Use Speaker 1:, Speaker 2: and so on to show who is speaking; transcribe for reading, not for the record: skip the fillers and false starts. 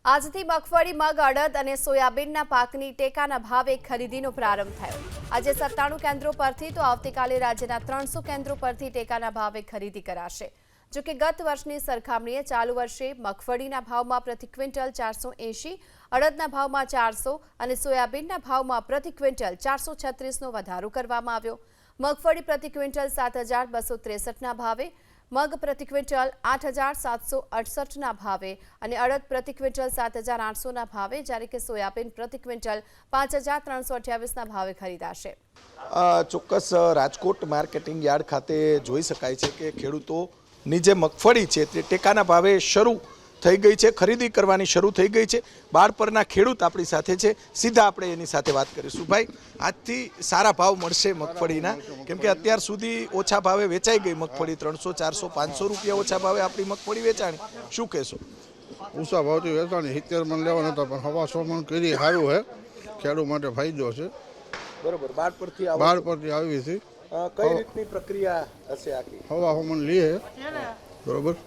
Speaker 1: આજથી મગફળી, મગ, અડદ અને સોયાબીનના પાકની ટેકાના ભાવે ખરીદીનો પ્રારંભ થયો। આજે 97 કેન્દ્રો પરથી તો આવતીકાલે રાજ્યના 300 કેન્દ્રો પરથી ટેકાના ભાવે ખરીદી કરાશે। જો કે ગત વર્ષની સરખામણીએ ચાલુ વર્ષે મગફળીના ભાવમાં પ્રતિ ક્વિન્ટલ 480, અડદના ભાવમાં 400 અને સોયાબીનના ભાવમાં પ્રતિ ક્વિન્ટલ 436નો વધારો કરવામાં આવ્યો। મગફળી પ્રતિ ક્વિન્ટલ 7263ના ભાવે, મગ પ્રતિ ક્વિન્ટલ 8768ના ભાવે અને અડદ પ્રતિ ક્વિન્ટલ 7800ના ભાવે, જ્યારે કે સોયાબીન પ્રતિ ક્વિન્ટલ 5328ના ભાવે ખરીદાશે।
Speaker 2: ચોક્કસ રાજકોટ માર્કેટિંગ યાર્ડ ખાતે જોઈ શકાય છે કે ખેડૂતોની જે મગફળી છે તે ટેકાના ભાવે શરૂ થઈ ગઈ છે, ખરીદી કરવાની શરૂ થઈ ગઈ છે। બાળ પરના ખેડૂત આપણી સાથે છે, સીધા આપણે એની સાથે વાત કરીશું। ભાઈ, આજથી સારા ભાવ મળશે મગફળીના, કેમ કે અત્યાર સુધી ઓછા ભાવે વેચાઈ ગઈ મગફળી, 300, 400, 500 રૂપિયા ઓછા ભાવે આપણી મગફળી વેચાણી, શું કહેશો?
Speaker 3: ઊંચા ભાવથી વેચાણી 70 મણ લેવાના હતા, પણ 100 મણ કરી સારું છે, ખેડૂત માટે ફાયદો છે।
Speaker 2: બરોબર, બાળ પરથી
Speaker 3: આવી છે,
Speaker 2: કઈ રીતની પ્રક્રિયા હશે આખી?
Speaker 3: 100 મણ લઈએ, બરોબર,